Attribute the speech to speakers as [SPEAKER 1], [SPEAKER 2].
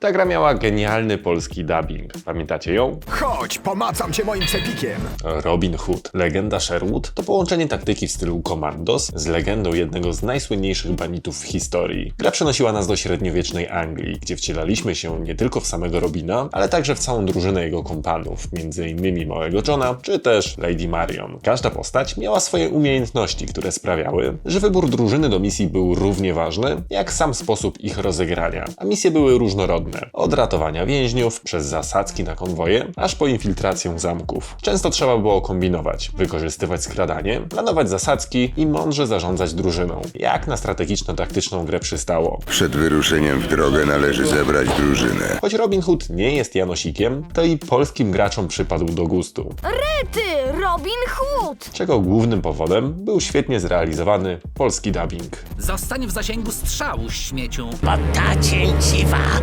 [SPEAKER 1] Ta gra miała genialny polski dubbing. Pamiętacie ją?
[SPEAKER 2] Chodź, pomacam cię moim cepikiem.
[SPEAKER 1] Robin Hood, legenda Sherwood to połączenie taktyki w stylu Commandos z legendą jednego z najsłynniejszych banditów w historii. Gra przenosiła nas do średniowiecznej Anglii, gdzie wcielaliśmy się nie tylko w samego Robina, ale także w całą drużynę jego kompanów, m.in. Małego Johna czy też Lady Marion. Każda postać miała swoje umiejętności, które sprawiały, że wybór drużyny do misji był równie ważny, jak sam sposób ich rozegrania, a misje były różnorodne. Od ratowania więźniów, przez zasadzki na konwoje, aż po infiltrację zamków. Często trzeba było kombinować, wykorzystywać skradanie, planować zasadzki i mądrze zarządzać drużyną, jak na strategiczno-taktyczną grę przystało.
[SPEAKER 3] Przed wyruszeniem w drogę należy zebrać drużynę.
[SPEAKER 1] Choć Robin Hood nie jest Janosikiem, to i polskim graczom przypadł do gustu,
[SPEAKER 4] Ty, Robin Hood!
[SPEAKER 1] czego głównym powodem był świetnie zrealizowany polski dubbing.
[SPEAKER 5] Zostań w zasięgu strzału, śmieciu.
[SPEAKER 6] Ta cięciwa